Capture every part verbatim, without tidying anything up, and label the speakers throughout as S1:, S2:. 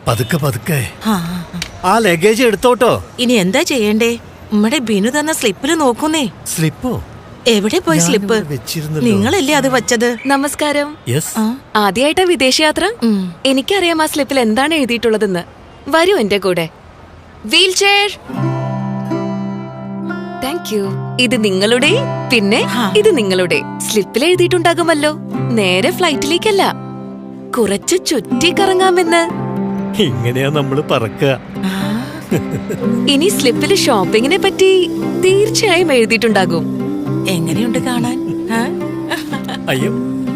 S1: പതുക്കെ പതുക്കെ.
S2: ആ,
S1: ആ ലഗേജ് എടുത്തോട്ടോ.
S2: ഇനി എന്താ ചെയ്യണ്ടേ? നമ്മടെ ബിനു തന്ന സ്ലിപ്പില് നോക്കുന്നേ.
S1: സ്ലിപ്പോ?
S2: എവിടെ പോയി സ്ലിപ്പ്? നിങ്ങളല്ലേ അത് വച്ചത്?
S3: നമസ്കാരം.
S1: യെസ്.
S3: ആദ്യമായിട്ടാ വിദേശയാത്ര? എനിക്കറിയാം ആ സ്ലിപ്പിൽ എന്താണ് എഴുതിയിട്ടുള്ളതെന്ന്. വരൂ എന്റെ കൂടെ. Wheelchair. Thank you. ഇത് നിങ്ങളുടെ, പിന്നെ ഇത് നിങ്ങളുടെ. സ്ലിപ്പിൽ എഴുതിയിട്ടുണ്ടാകുമല്ലോ, നേരെ ഫ്ലൈറ്റിലേക്കല്ല, കുറച്ച് ചുറ്റി കറങ്ങാമെന്ന്.
S1: ഇങ്ങനെയാ നമ്മള് പറക്കുക.
S3: ഇനി സ്ലിപ്പിൽ ഷോപ്പിങ്ങിനെ പറ്റി തീർച്ചയായും എഴുതിയിട്ടുണ്ടാകും.
S2: എങ്ങനെയുണ്ട് കാണാൻ?
S1: അയ്യോ,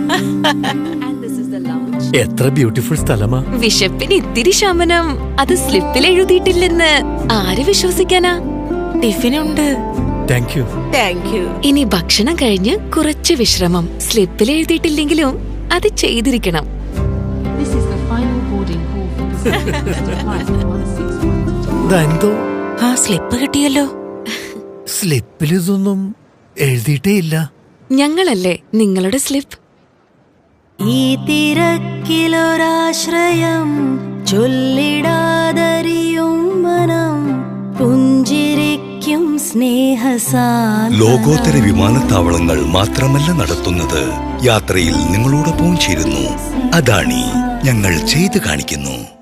S1: എത്ര ബ്യൂട്ടിഫുൾ സ്ഥലമാ.
S3: വിശപ്പിന് ഇത്തിരി ശമനം. അത് സ്ലിപ്പിൽ എഴുതിയിട്ടില്ലെന്ന് ആര് വിശ്വസിക്കാനാ?
S2: ടിഫിനുണ്ട്.
S1: Thank you.
S2: Thank you.
S3: ഇനി ഭക്ഷണം കഴിഞ്ഞ് കുറച്ച് വിശ്രമം. സ്ലിപ്പിൽ എഴുതിയിട്ടില്ലെങ്കിലും അത് ചെയ്തിരിക്കണം.
S1: എന്തോ
S2: ആ സ്ലിപ്പ് കിട്ടിയല്ലോ.
S1: സ്ലിപ്പിൽ ഇതൊന്നും എഴുതിയിട്ടേ ഇല്ല.
S3: ഞങ്ങളല്ലേ നിങ്ങളുടെ സ്ലിപ്പ്.
S2: ഈ തിരക്കിലൊരാശ്രയം ചൊല്ലിടാതറിയും മനം പുഞ്ചിരിക്കും സ്നേഹസാന്ദ്രത.
S4: ലോകോത്തര വിമാനത്താവളങ്ങൾ മാത്രമല്ല നടത്തുന്നത്, യാത്രയിൽ നിങ്ങളോടൊപ്പം ചേരുന്നു. അദാനി, ഞങ്ങൾ ചെയ്തു കാണിക്കുന്നു.